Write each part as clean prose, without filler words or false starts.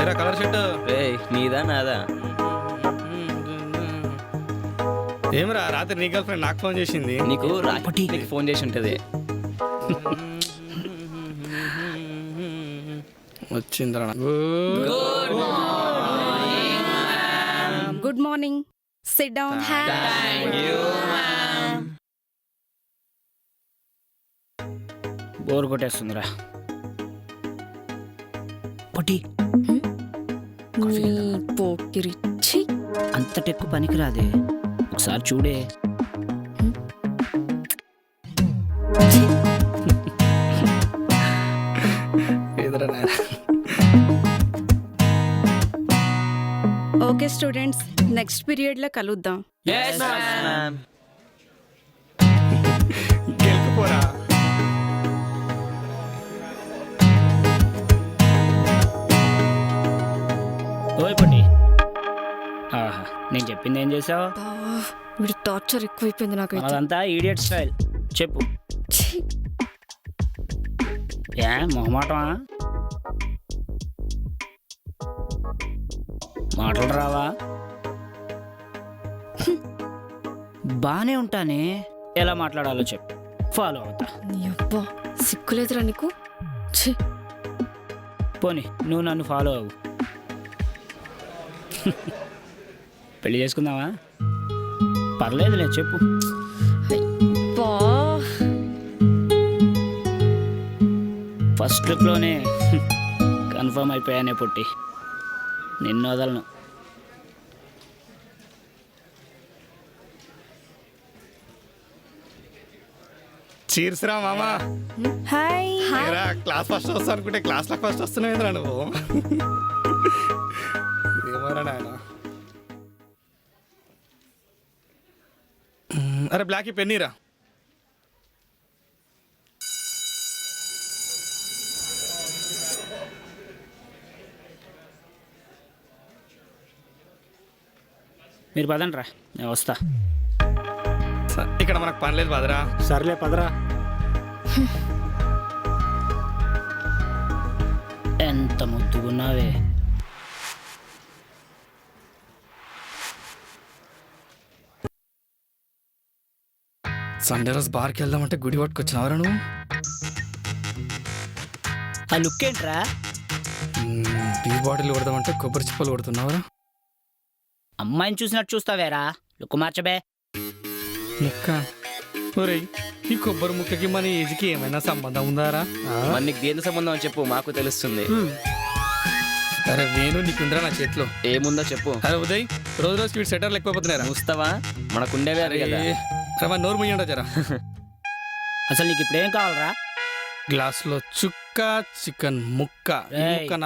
ఏరా colour shirt రేయ్ నీదా నాదా? ఏమరా రాత్రి నీ గర్ల్ ఫ్రెండ్ నాకు ఫోన్ చేసింది. నీకు రాపటి నీకు ఫోన్ చేసి ఉంటుంది. వచ్చిందిరా. Good morning. Sit down. Bore కొట్టేస్తుందిరా. పొట్టి పోకిరిచ్చి అంతటెక్కు పనికిరాదే, ఒకసారి చూడే. ఓకే స్టూడెంట్స్, నెక్స్ట్ పీరియడ్ లో కలుద్దాం. గెలుకుపోరా. ఓయ్ పొట్టి, ఆహా నేను చెప్పింది ఏం చేసావు? వీడి టార్చర్ ఎక్కువైపోయింది నాకైతే. అదంతా ఈడియట్ స్టైల్. చెప్పు. ఛీ, ఏ మొహమాటమా? మాటలు రావా? బానే ఉంటానే, ఎలా మాట్లాడాలో చెప్పు, ఫాలో అవుతా. నీ అబ్బా సిగ్గులేదురా నీకు? ఛీ, పోనీ నువ్వు నన్ను ఫాలో అవ్వు. పెళ్లి చేసుకుందామా? పర్లేదులే, చెప్పు. అబ్బా ఫస్ట్ లుక్లోనే కన్ఫర్మ్ అయిపోయానే పొట్టి, నిన్ను వదలను. చీర్స్ రా మామా. హాయ్. ఏరా క్లాస్ ఫస్ట్ వస్తా అనుకుంటే క్లాస్ లో ఫస్ట్ వస్తున్నావు నువ్వు. ఏమోరా నాయన. అరే బ్లాక్ పెన్నీరా. మీరు పదండి రా, నేను వస్తా. ఇక్కడ మనకు పని లేదు బదరా. సర్లే పదరా. ఎంత ముద్దుగున్నావే. సండే రోజు బార్కి వెళ్దామంటే గుడి పట్టుకొచ్చినవరా నువ్వు. ఆ లుక్ ఏంట్రా? టీ బాటిల్ కొడదామంటే కొబ్బరి చిప్పలు కొడుతున్నావరా. అమ్మాయిని చూసినట్టు చూస్తావేరా, లుక్ మార్చబే. ముక్క ఒరేయ్, ఈ కొబ్బరి ముక్కకి మన ఏజ్కి ఏమైనా సంబంధం ఉందారా? మరి నీకు దేని సంబంధం అని చెప్పు, మాకు తెలుస్తుంది. అరే వేణు నీకుందరా నా చేతిలో. ఏముందో చెప్పు. అరే ఉదయ్, రోజు రోజు స్వీట్ సెటర్లు ఎక్కువైపోతున్నారా? చూస్తావా, మనకుండేవే అవి కదా. అరే మన నోరు ముయ్యండి జరా. అసలు నీకు ఇప్పుడేం కావాలరా? గ్లాస్లో చుక్క చికెన్ ముక్క. ఈ రేయ్. ముక్కనా?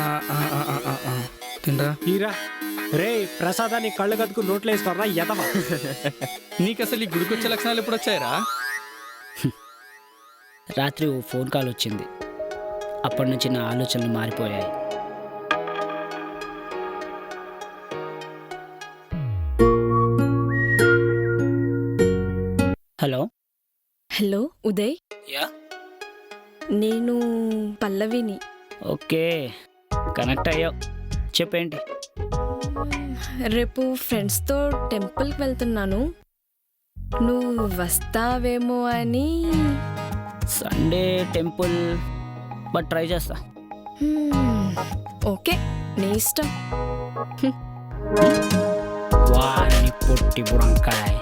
తినరా. హీరా రే ప్రసాదాన్ని కళ్ళు కదుకు నోట్లో వేసుకోరా ఎదవా. నీకు అసలు ఈ గుడికొచ్చే లక్షణాలు ఎప్పుడు వచ్చాయరా? రాత్రి ఓ ఫోన్ కాల్ వచ్చింది, అప్పటి నుంచి నా ఆలోచనలు మారిపోయాయి. హలో. Hello Uday, yeah. నేను పల్లవిని. ఓకే, కనెక్ట్ అయ్యావు. చెప్పేంటి? రేపు ఫ్రెండ్స్తో టెంపుల్కి వెళ్తున్నాను, నువ్వు వస్తావేమో అని. సండే టెంపుల్, బట్ ట్రై చేస్తా. ఓకే, నీ ఇష్టం. వారిని పొట్టి బుడంకాయ్.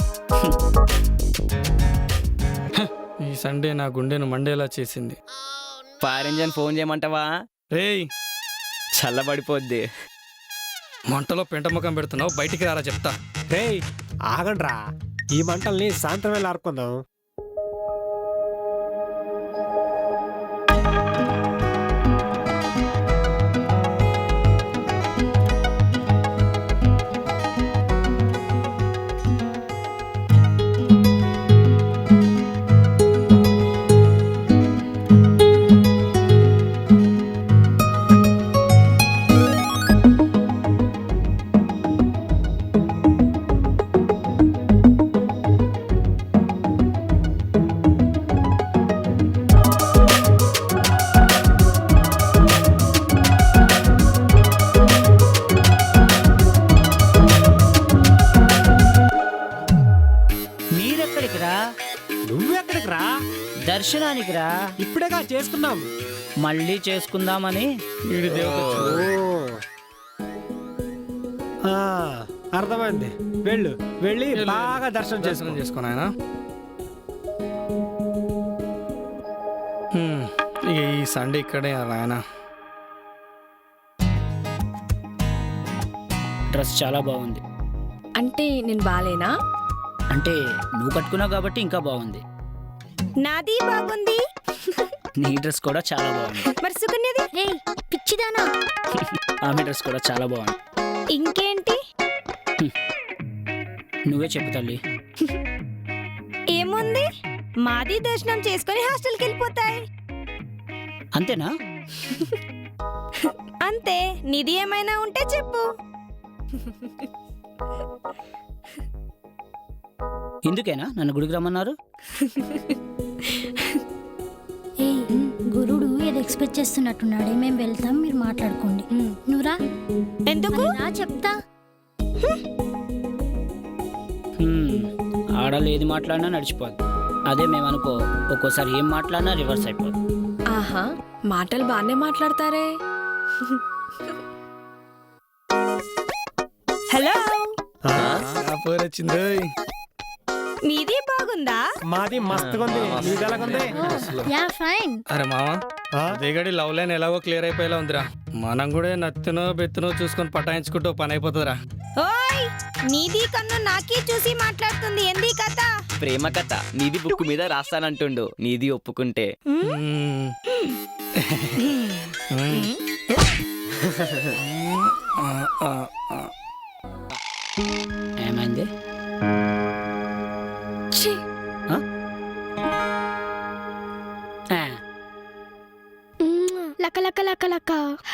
ఈ సండే నా గుండెను మండేలా చేసింది. ఫైర్ ఇంజన్ ఫోన్ చేయమంటావా? రేయ్, చల్లబడిపోద్ది. మంటలో పెంట ముఖం పెడుతున్నావు, బయటికి రారా చెప్తా. రే ఆగండ్రా, ఈ మంటల్ని సాయంత్రం వేళ ఆర్పుకుందాం. దర్శనానికి రా. ఇప్పుడేగా చేసుకున్నాం. మళ్ళీ చేసుకుందామని. వీడి దేవత ఆ, అర్థమైంది. వెళ్ళి బాగా దర్శనం దర్శనం చేసుకో. చేసుకుని ఆయన ఇక ఈ సండే ఇక్కడే ఆయన. డ్రెస్ చాలా బాగుంది. అంటే నేను బాలేనా? అంటే నువ్వు కట్టుకున్నావు కాబట్టి ఇంకా బాగుంది. నాది బాగుంది. నీ డ్రెస్ కూడా చాలా బాగుంది. మరి సుకన్యది? రేయ్ పిచ్చిదానా, ఆమె డ్రెస్ కూడా చాలా బాగుంది. ఇంకేంటి? నువ్వే చెప్పు తల్లి. ఏముంది, మాది దర్శనం చేసుకొని హాస్టల్కి వెళ్ళిపోతాయి. అంతేనా? అంతే. నిధి ఏమైనా ఉంటే చెప్పు. ఇందుకేనా నన్ను గుడికి రమ్మన్నారు? గురుడు ఏదో ఎక్స్పెక్ట్ చేస్తున్నట్టున్నాడే. మేము వెళ్తాం, మీరు మాట్లాడుకోండి. నువ్వురా. ఎందుకు? నా చెప్తా. ఆడలు ఏది మాట్లాడినా నడిచిపోద్ది. అదే మేమనుకో ఒక్కోసారి ఏం మాట్లాడినా రివర్స్ అయిపోద్ది. ఆహా, మాటలు బాగానే మాట్లాడతారే. హలో, వచ్చింది. మీది బాగుందా? మాది మస్తుగా ఉంది. నీది ఎలాగుంది? Yeah fine. అరే మామ, ఆ? దిగడి లవ్ లైన్ ఎలాగో క్లియర్ అయిపోయేలా ఉందిరా. మనం కూడా నత్తినో బెత్తునో చూసుకొని పటాయించుకుంటూ పని అయిపోతుందిరా. ఓయ్, నీది కన్ను నాకే చూసి మాట్లాడుతుంది. ఏంది కథ? ప్రేమ కథ నీది బుక్ మీద రాస్తానంటుండు. నీది ఒప్పుకుంటే ఏమైంది? ఛీ, లక లక లక లక.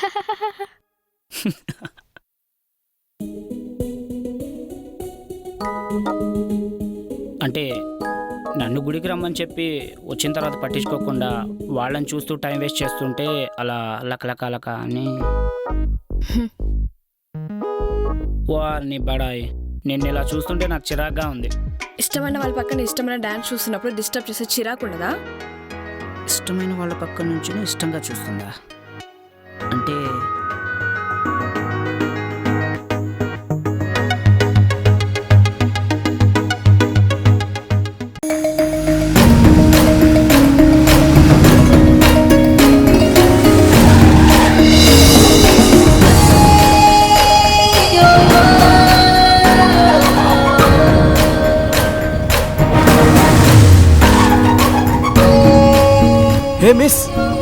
అంటే నన్ను గుడికి రమ్మని చెప్పి వచ్చిన తర్వాత పట్టించుకోకుండా వాళ్ళని చూస్తూ టైం వేస్ట్ చేస్తుంటే అలా లకలక అని. వారిని బడాయి, నిన్ను ఇలా చూస్తుంటే నాకు చిరాగ్గా ఉంది. ఇష్టమైన వాళ్ళ పక్కన ఇష్టమైన డాన్స్ చూస్తున్నప్పుడు డిస్టర్బ్ చేసే చిరాకు ఉండదా? ఇష్టమైన వాళ్ళ పక్క నుంచి ఇష్టంగా చూస్తుందా? అంటే హే మిస్.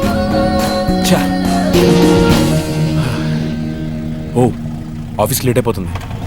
ఓ, ఆఫీస్కి లేట్ అయిపోతుంది.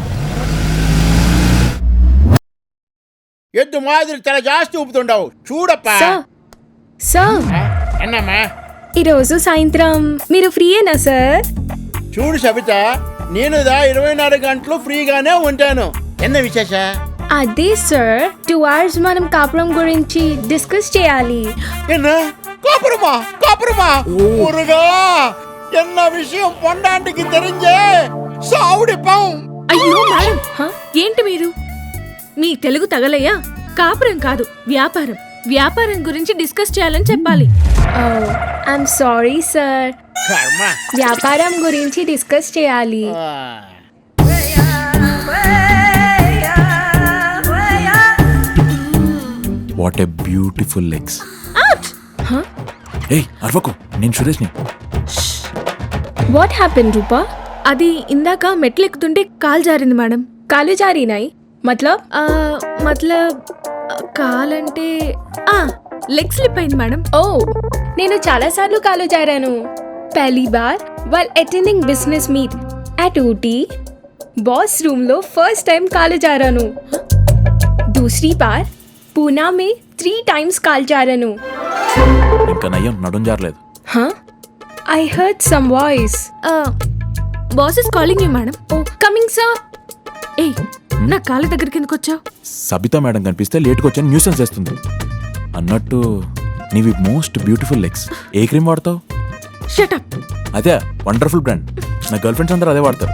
ఎద్దు మాదిరి తల జాస్తి ఊపుతుండవు చూడప్పా. సార్, అన్నమ్మా, ఈరోజు సాయంత్రం మీరు ఫ్రీయేనా సార్? చూడు సబిత, నేను 24 గంటలు ఫ్రీగానే ఉంటాను. ఎన్న విశేష? అదే సార్, 2 hours మనం కాపురం గురించి డిస్కస్ చేయాలి. என்ன காப்புறமா முருகா, என்ன விஷயம் பொண்டாண்டிக்கு தெரிஞ்சே சாவுடிப்போம். అయ్యో మేడం, ఏంటి మీరు? మీ తెలుగు తగలయ్యా? కాపురం కాదు, వ్యాపారం. వ్యాపారం గురించి డిస్కస్ చేయాలని చెప్పాలి. ఐఎమ్ సారీ సార్, కర్మ. వ్యాపారం గురించి డిస్కస్ చేయాలి. What a beautiful legs. ఏయ్ అరవకు, నేను సురేష్ని. వాట్ హ్యాపెన్ రూపా? అది ఇందాక మెట్లు ఎక్కుతుంటే కాలు జారింది మేడం. కాలు జారినాయి మతలబ్? మతలబ్ కాలంటే లెగ్ స్లిప్ అయింది మేడం. ఓ, నేను చాలా సార్లు కాలు జారాను. పహలీ బార్ while attending business meet at Ooty boss room లో ఫస్ట్ టైం కాలు జారాను. दूसरी बार पूना में 3 times కాలు జారాను. ఇంకా నయ్యం నడుం జారలేదు. I heard some voice. Boss is calling you madam. Oh, coming sir. ఏయ్, నా కాళ్ళ దగ్గరికి ఎందుకు వచ్చావు? సబితా మేడం కనిపిస్తే లేట్గా వచ్చాను న్యూసెన్స్ చేస్తుంది. అన్నట్టు నీవి మోస్ట్ బ్యూటిఫుల్ లెగ్స్. ఏ క్రీమ్ వాడతావు? Shut up. అదే వండర్ఫుల్ బ్రాండ్. నా గర్ల్ ఫ్రెండ్స్ అందరూ అదే వాడతారు.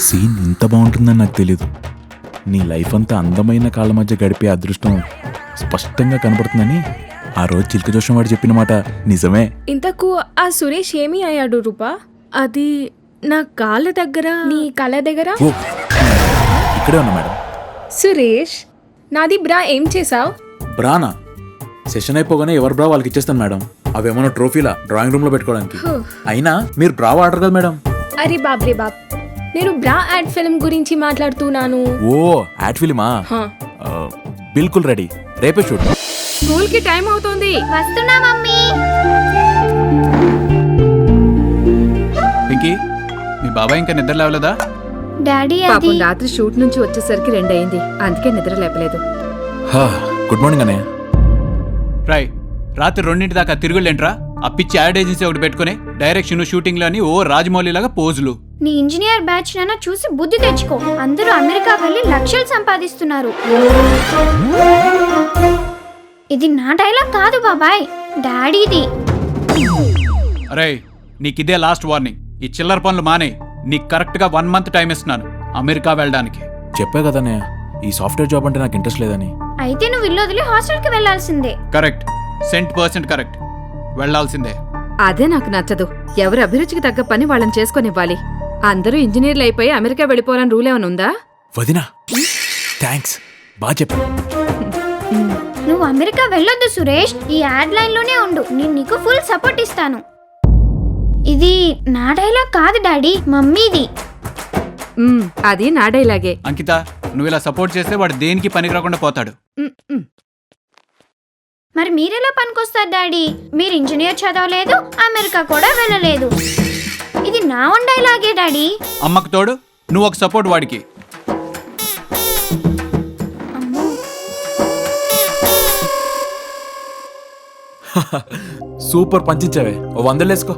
సీన్ ఇంత బాగుంటుందని నాకు తెలియదు. నీ లైఫ్ అంతా అందమైన కాళ్ళ మధ్య గడిపే అదృష్టం స్పష్టంగా కనపడుతుందని ఆ రోజు చిలక జోషం వాడు చెప్పిన మాట నిజమే. ఇంతకు ఆ సురేష్ ఏమీ అయ్యాడు రూపా? అది నా కాళ్ళ దగ్గర. నీ కళ్ళ దగ్గర? ఓ ఇక్కడే ఉన్నా మేడం. సురేష్, నాది బ్రా ఏం చేసావు? బ్రానా? సెషన్ అయిపోగానే ఎవరు బ్రా వాళ్ళకి ఇచ్చేస్తాను మేడం. అవేమన్నా ట్రోఫీలా డ్రాయింగ్ రూమ్ లో పెట్టుకోవడానికి. అయినా మీరు బ్రా వాడరు కదా మేడం. అరే బాబ్రే బాబ్, నేను బ్రా యాడ్ ఫిల్మ్ గురించి మాట్లాడుతున్నాను. ఓ యాడ్ ఫిలిమా? హా. బిల్కుల్ రెడీ, రేపే షూట్. స్కూల్ కి టైం అవుతుంది. వస్తున్నా మమ్మీ. పింకీ, మీ బాబాయ్ ఇంకా నిద్ర లేవలేదా? డాడీ పాపం రాత్రి షూట్ నుంచి వచ్చేసరికి 2 అయింది, అందుకే నిద్ర లేపలేదు. గుడ్ మార్నింగ్ అన్నయ్య. రాయ్, రాత్రి 2 దాకా తిరుగులేంట్రా? అప్పిచ్చి యాడ్ ఏజెన్సీ ఒకటి పెట్టుకుని డైరెక్షన్ షూటింగ్ లోని ఓ రాజమౌళి లాగా పోజులు. నీ ఇంజనీర్ బ్యాచ్ నాన్న చూసి బుద్ధి తెచ్చుకో. అందరూ అమెరికా వెళ్ళి లక్షలు సంపాదిస్తున్నారు. ఇది నా డైలాగ్ కాదు బాబాయ్, డాడీది. అరే, నీకిదే లాస్ట్ వార్నింగ్. ఈ చిల్లర పనులు మానే. నీకు కరెక్ట్ గా 1 మంత్ టైం ఇస్తున్నాను అమెరికా వెళ్ళడానికి. చెప్పా కదన్నయ్య, ఈ సాఫ్ట్వేర్ జాబ్ అంటే నాకు ఇంట్రెస్ట్ లేదని. అయితే నువ్వు ఇల్లు వదిలి హాస్టల్కి వెళ్ళాల్సిందే. Correct, 100% correct. వెళ్ళాల్సిందే. అదే నాకు నచ్చదు. ఎవరి అభిరుచికి తగ్గ పని వాళ్ళని చేసుకొనివ్వాలి. అందరూ ఇంజనీర్లు అయిపోయి అమెరికా వెళ్ళిపోవాలని రూల్ ఏమైనా ఉందా? వదినా థ్యాంక్స్, బాగా చెప్పా. నువ్వు అమెరికా వెళ్ళొద్దు సురేష్, ఈ యాడ్ లైన్ లోనే ఉండు. నేను నీకు ఫుల్ సపోర్ట్ ఇస్తాను. ఇది నా డైలాగ్ కాదు డాడీ, మమ్మీది. అది నా డైలాగే. అంకిత, నువ్వు ఇలా సపోర్ట్ చేస్తే వాడు దేనికి పనికి రాకుండా పోతాడు. మరి మీరెలా పనికొస్తారు డాడీ? మీరు ఇంజనీర్ చదవలేదు, అమెరికా కూడా వెళ్ళలేదు. ఇది నా ఓన్ డైలాగే డాడీ. అమ్మకు తోడు నువ్వు ఒక సపోర్ట్ వాడికి. సూపర్ పంచించావే, ఓ 100 వేసుకో.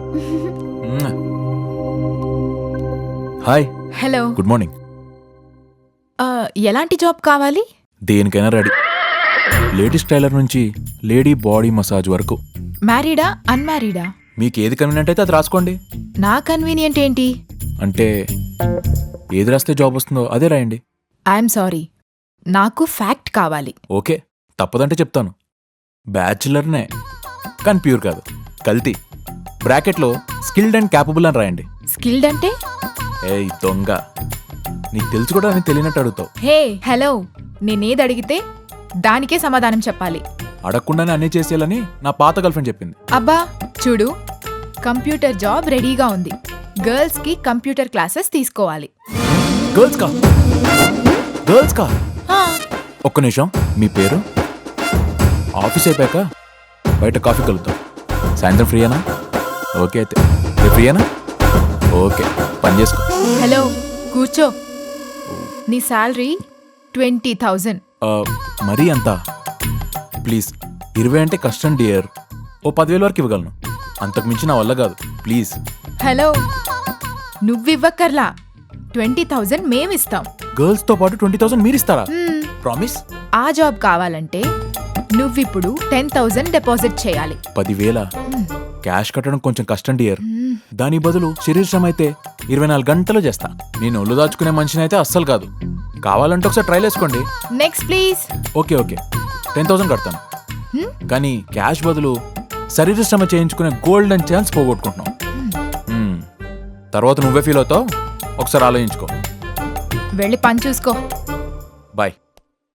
హాయ్. Hello, good morning. ఎలాంటి జాబ్ కావాలి? దేనికైనా రెడీ. లేడీస్ టైలర్ నుంచి లేడీ బాడీ మసాజ్ వరకు. మ్యారీడా అన్మ్యారీడా? మీకు ఏది కన్వీనియంట్ అయితే అది రాసుకోండి. నా కన్వీనియంట్ ఏంటి? అంటే ఏది రాస్తే జాబ్ వస్తుందో అదే రాయండి. ఐఎమ్ సారీ, నాకు ఫ్యాక్ట్ కావాలి. ఓకే, తప్పదంటే చెప్తాను. బ్యాచులర్నే, కానీ ప్యూర్ కాదు, కల్తీ. బ్రాకెట్లో స్కిల్డ్ అండ్ క్యాపబుల్ అని రాయండి. స్కిల్డ్ అంటే? ఏయ్ దొంగ, నీకు తెలుసు కూడా అని తెలియనట్టు అడుగుతావు. హే హలో, నేనేది అడిగితే దానికే సమాధానం చెప్పాలి. అడగకుండానే అన్నీ చేసేయాలని నా పాత గర్ల్ఫ్రెండ్ చెప్పింది. అబ్బా చూడు, కంప్యూటర్ జాబ్ రెడీగా ఉంది. గర్ల్స్ కి కంప్యూటర్ క్లాసెస్ తీసుకోవాలి. గర్ల్స్ కా? ఒక్క నిమిషం, మీ పేరు? ఆఫీస్ అయిపోయాక బయట కాఫీ కలుగుతాం. సాయంత్రం ఫ్రీయేనా? ఓకే, అయితే రేపు ఫ్రీయేనా? ఓకే, పని చేసుకో. హలో కూర్చో. నీ శాలరీ 20,000. మరీ అంతా? ప్లీజ్, 20 అంటే కష్టం డియర్. ఓ 10,000 వరకు ఇవ్వగలను, అంతకు మించి నా వల్ల కాదు. ప్లీజ్. హలో, నువ్వివ్వక్కర్లా, 20,000 మేమిస్తాం. గర్ల్స్ తో పాటు 20,000 మీరిస్తారా? ప్రామిస్? ఆ జాబ్ కావాలంటే నువ్విప్పుడు 10,000 డిపాజిట్ చేయాలి. 10,000 క్యాష్ కట్టడం కొంచెం కష్టం డియర్. దాని బదులు శరీర శ్రమ అయితే 24 గంటలు చేస్తా. నేను ఒళ్ళు దాచుకునే మనిషిని అయితే అస్సలు కాదు. కావాలంటే ఒకసారి ట్రైల్ వేసుకోండి. Next please. ఓకే 10,000 కడతాను, కానీ క్యాష్ బదులు శరీర శ్రమ చేయించుకునే గోల్డెన్ ఛాన్స్ పోగొట్టుకుంటున్నాం. తర్వాత నువ్వే ఫీల్ అవుతావు, ఒకసారి ఆలోచించుకో. వెళ్ళి పని చూసుకో.